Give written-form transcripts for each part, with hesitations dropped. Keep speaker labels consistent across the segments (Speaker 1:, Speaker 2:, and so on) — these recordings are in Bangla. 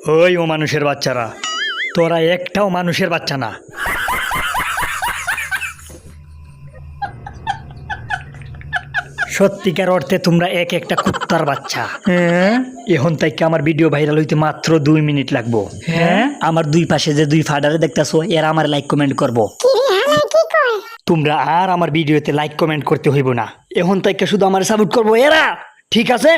Speaker 1: ওই ও মানুষের বাচ্চারা, তোরা একটাও মানুষের বাচ্চা না। সত্যিকার অর্থে তোমরা এক একটা কুত্তার বাচ্চা। এখন থেকে আমার ভিডিও ভাইরাল হইতে মাত্র 2 মিনিট লাগবো। হ্যাঁ, আমার দুই পাশে যে দুই ফাডারে দেখতাছো এরা আমার লাইক কমেন্ট করবো। তোমরা আর আমার ভিডিওতে লাইক কমেন্ট করতে হইব না, এখন থেকে শুধু আমার সাপোর্ট করবো এরা, ঠিক আছে?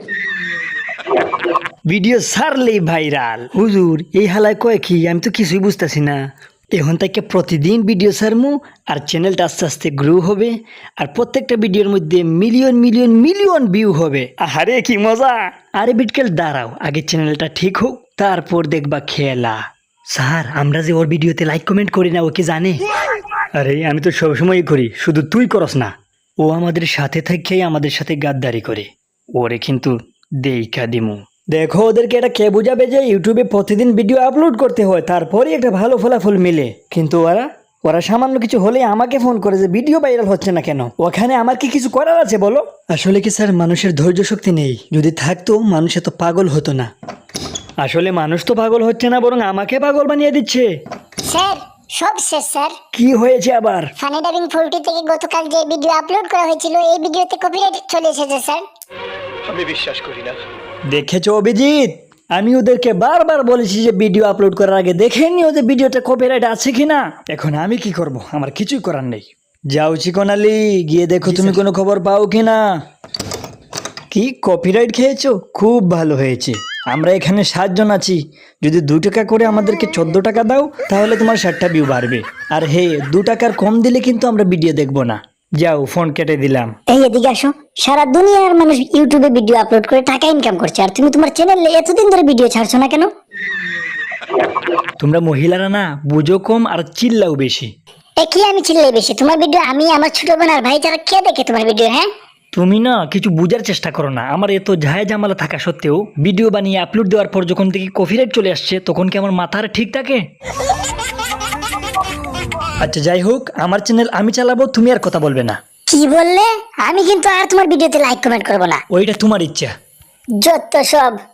Speaker 1: ভিডিও ছাড়লেই ভাইরাল। হুজুর এই হালায় কয় কি, আমি তো কিছুই বুঝতেছি না। এখন থেকে প্রতিদিন ভিডিও ছাড়মু, আর চ্যানেলটা আস্তে আস্তে গ্রো হবে, আর প্রত্যেকটা ভিডিওর মধ্যে মিলিয়ন মিলিয়ন মিলিয়ন ভিউ হবে। আরে কি মজা! আরে বিটকেল দাঁড়াও, আগে চ্যানেলটা ঠিক হোক, তারপর দেখবা খেলা। স্যার, আমরা যে ওর ভিডিওতে লাইক কমেন্ট করি না, ও কি জানে? আরে আমি তো সবসময়ই করি, শুধু তুই করস না। ও আমাদের সাথে থেকেই আমাদের সাথে গাদ্দারি করে। ওরে কিন্তু দেইখা দিমু। দেখো ওদেরকে এটা কে বুঝাবে যে ইউটিউবে প্রতিদিন ভিডিও আপলোড করতে হয়, তারপরেই একটা ভালো ফলাফল মিলে। কিন্তু ওরা সামান্য কিছু হলে আমাকে ফোন করে যে ভিডিও ভাইরাল হচ্ছে না কেন। ওখানে আমার কি কিছু করার আছে বলো? আসলে কি স্যার, মানুষের ধৈর্য শক্তি নেই। যদি থাকতো মানুষ এত পাগল হতো না। আসলে মানুষ তো পাগল হচ্ছে না, বরং আমাকে পাগল বানিয়ে দিচ্ছে।
Speaker 2: স্যার সব শেষ স্যার।
Speaker 1: কি হয়েছে আবার?
Speaker 2: ফানি ডাবিং 40 থেকে গতকাল যে ভিডিও আপলোড করা হয়েছিল, এই ভিডিওতে কপিরাইট চলে এসেছে স্যার।
Speaker 3: আমি বিশ্বাস করি না।
Speaker 1: দেখেছো অভিজিৎ, আমি ওদেরকে বারবার বলেছি যে ভিডিও আপলোড করার আগে দেখে নিও যে ভিডিওতে কপিরাইট আছে কিনা। এখন আমি কি করব? আমার কিছুই করার নেই। যাও চিকনালি, গিয়ে দেখো তুমি কোনো খবর পাও কিনা। কি কপিরাইট খেয়েছো? খুব ভালো হয়েছে। আমরা এখানে 7 জন আছি, যদি 2 টাকা করে আমাদেরকে 14 টাকা দাও, তাহলে তোমার 60টা ভিউ বাড়বে। আর হে, 2 টাকার কম দিলে কিন্তু আমরা ভিডিও দেখবো না। যাও, ফোন কেটে দিলাম।
Speaker 2: এই এদিকে আসো। সারা দুনিয়ার মানুষ ইউটিউবে ভিডিও আপলোড করে টাকা ইনকাম করছে, আর তুমি তোমার চ্যানেলে এতদিন ধরে ভিডিও ছাড়ছো না কেন?
Speaker 1: তোমরা মহিলারা না বুঝো কম আর চিল্লাও বেশি।
Speaker 2: এ কি আমি চিল্লাই বেশি? তোমার ভিডিও আমি, আমার ছোট বোন আর ভাই যারা কে দেখে তোমার ভিডিও? হ্যাঁ,
Speaker 1: তুমি না কিছু বুঝার চেষ্টা করো না। আমার এত ঝায় ঝামেলা থাকা সত্ত্বেও ভিডিও বানিয়ে আপলোড দেওয়ার পর যখন থেকে কপিরাইট চলে আসছে, তখন কি আমার মাথার ঠিক থাকে? আচ্ছা যাই হোক, আমার চ্যানেল আমি চালাবো, তুমি আর কথা বলবে না।
Speaker 2: কি বললে? আমি কিন্তু আর তোমার ভিডিওতে লাইক কমেন্ট করবো না।
Speaker 1: ওইটা তোমার ইচ্ছা।
Speaker 2: যত সব।